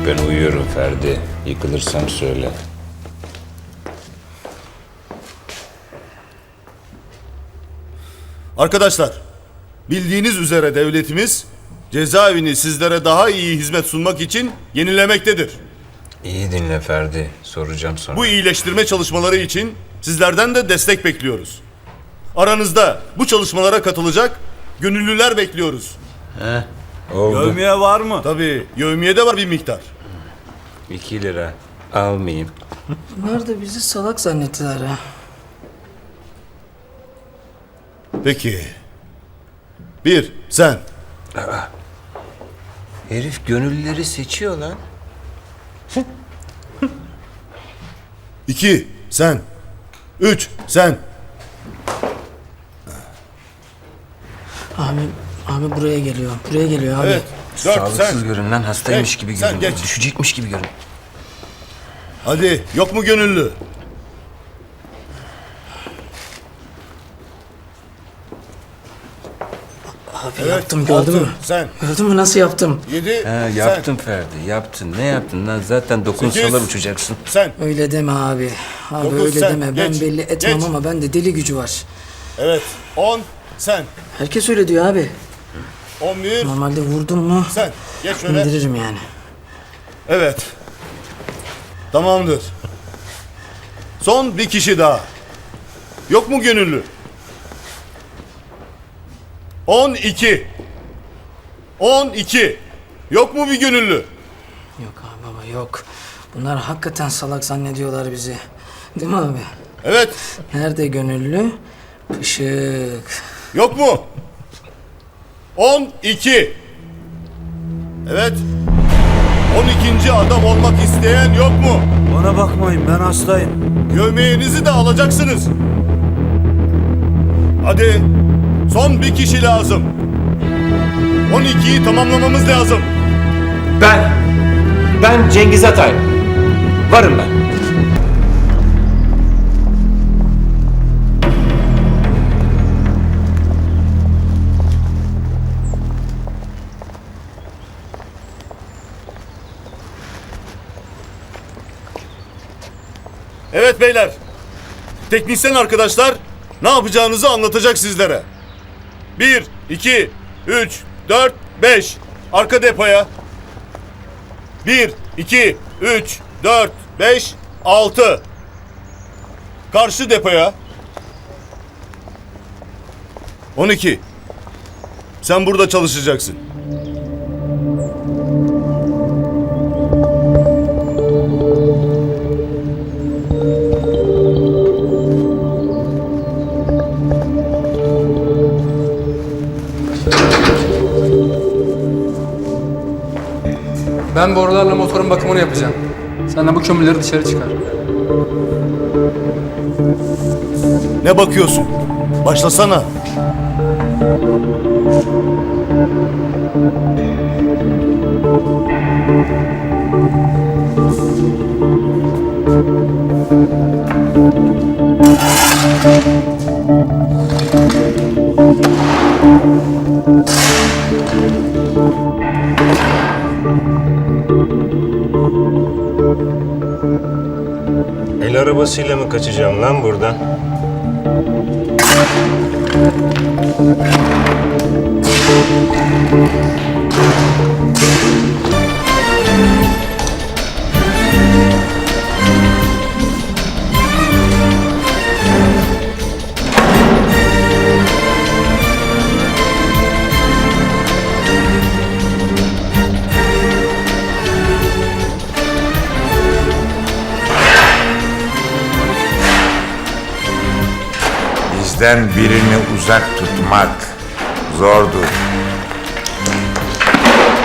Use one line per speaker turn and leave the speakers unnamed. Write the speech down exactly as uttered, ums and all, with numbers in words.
Ben uyuyorum Ferdi. Yıkılırsam söyle.
Arkadaşlar, bildiğiniz üzere devletimiz cezaevini sizlere daha iyi hizmet sunmak için yenilemektedir.
İyi dinle Ferdi. Soracağım sonra.
Bu iyileştirme çalışmaları için sizlerden de destek bekliyoruz. Aranızda bu çalışmalara katılacak gönüllüler bekliyoruz.
He, oldu.
Yevmiye var mı?
Tabii yevmiye de var bir miktar.
İki lira. Almayayım.
Bunlar da bizi salak zannettiler ha.
Peki. Bir, sen.
Herif gönüllüleri seçiyor lan.
İki, sen. Üç, sen.
Abi, abi buraya geliyor. Buraya geliyor abi.
Evet. Dört,
Sağlıksız
sen.
görünen hastaymış
Geç,
gibi
sen
görün.
geç.
Düşecekmiş gibi görün.
Hadi, yok mu gönüllü?
Abi
Evet,
yaptım gördün
altı,
mü?
sen.
Gördün mü nasıl yaptım?
Yedi,
Ha,
sen.
yaptın Ferdi. Yaptın. Ne yaptın lan? Zaten dokunsalar
Sekiz.
uçacaksın.
Sen.
Öyle deme abi. Abi
Dokuz,
öyle
sen.
deme. Ben
Geç,
belli etmem
geç.
ama bende deli gücü var.
Evet. On, sen.
Herkes öyle diyor abi.
On bir,
Normalde vurdum mu
sen. Geç şöyle.
indiririm yani.
Evet. Tamamdır. Son bir kişi daha. Yok mu gönüllü? On iki. On iki. Yok mu bir gönüllü?
Yok abi baba yok. Bunlar hakikaten salak zannediyorlar bizi. Değil mi abi?
Evet.
Nerede gönüllü? Pışık.
Yok mu? On iki. Evet. On ikinci adam olmak isteyen yok mu?
Bana bakmayın, ben hastayım.
Gömleğinizi de alacaksınız. Hadi. Son bir kişi lazım. On ikiyi tamamlamamız lazım.
Ben, ben Cengiz Atay. Varım ben.
Evet beyler. Teknisyen arkadaşlar ne yapacağınızı anlatacak sizlere. Bir, iki, üç, dört, beş. Arka depoya. Bir, iki, üç, dört, beş, altı. Karşı depoya. On iki. Sen burada çalışacaksın.
Ben borularla motorun bakımını yapacağım. Sen de bu kömürleri dışarı çıkar.
Ne bakıyorsun? Başlasana.
El arabasıyla mı kaçacağım lan buradan?
Bizden birini uzak tutmak zordur.